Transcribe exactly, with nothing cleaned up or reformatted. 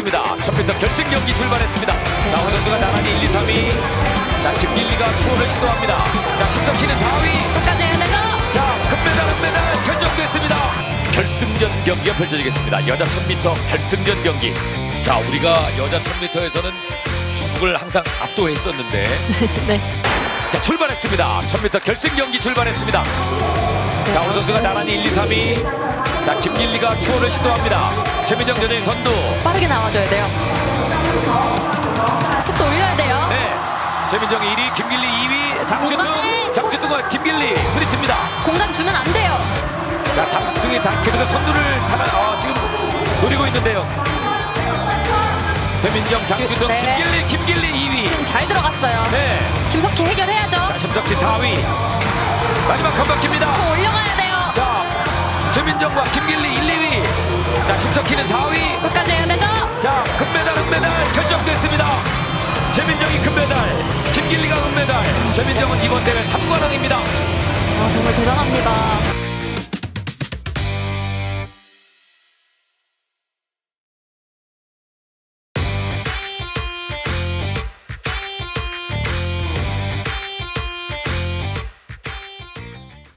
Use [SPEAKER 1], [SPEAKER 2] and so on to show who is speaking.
[SPEAKER 1] 출발했습니다. 천 미터 결승 경기 출발했습니다. 자, 오 선수가 나란히 일, 이, 삼 위. 자, 김길리가 추월을 시도합니다. 자, 심석희는 사 위.
[SPEAKER 2] 끝까지 해야 되죠?
[SPEAKER 1] 자, 금메달, 은메달 결정됐습니다. 결승전 경기가 펼쳐지겠습니다. 여자 천 미터 결승전 경기. 자, 우리가 여자 천 미터에서는 중국을 항상 압도했었는데
[SPEAKER 2] 네.
[SPEAKER 1] 자, 출발했습니다. 천 미터 결승 경기 출발했습니다. 자, 오늘 선수가 나란히 일, 이, 삼 위. 자, 김길리가 추월을 시도합니다. 최민정 여전히 선두.
[SPEAKER 2] 빠르게 나와줘야 돼요. 속도 올려야 돼요.
[SPEAKER 1] 네. 최민정이 일 위, 김길리 이 위, 장준등,
[SPEAKER 2] 공간에
[SPEAKER 1] 장준등과 김길리 부딪힙니다.
[SPEAKER 2] 공간 주면 안 돼요.
[SPEAKER 1] 자, 장준등이 다 계속 선두를 타나, 어, 지금 노리고 있는데요. 최민정, 장준등,
[SPEAKER 2] 네.
[SPEAKER 1] 김길리, 김길리 이 위.
[SPEAKER 2] 지금 잘 들어갔어요.
[SPEAKER 1] 네.
[SPEAKER 2] 심석희 해결해야죠.
[SPEAKER 1] 자, 심석희 사 위. 마지막 한 바퀴입니다.
[SPEAKER 2] 더 올려가야 돼요.
[SPEAKER 1] 자, 최민정과 김길리 일, 이 위. 자, 심석희는 사 위.
[SPEAKER 2] 끝까지 해야 되죠?
[SPEAKER 1] 자, 금메달, 은메달 결정됐습니다. 최민정이 금메달, 김길리가 은메달. 최민정은 이번 대회 삼 관왕입니다.
[SPEAKER 2] 아, 정말 대단합니다.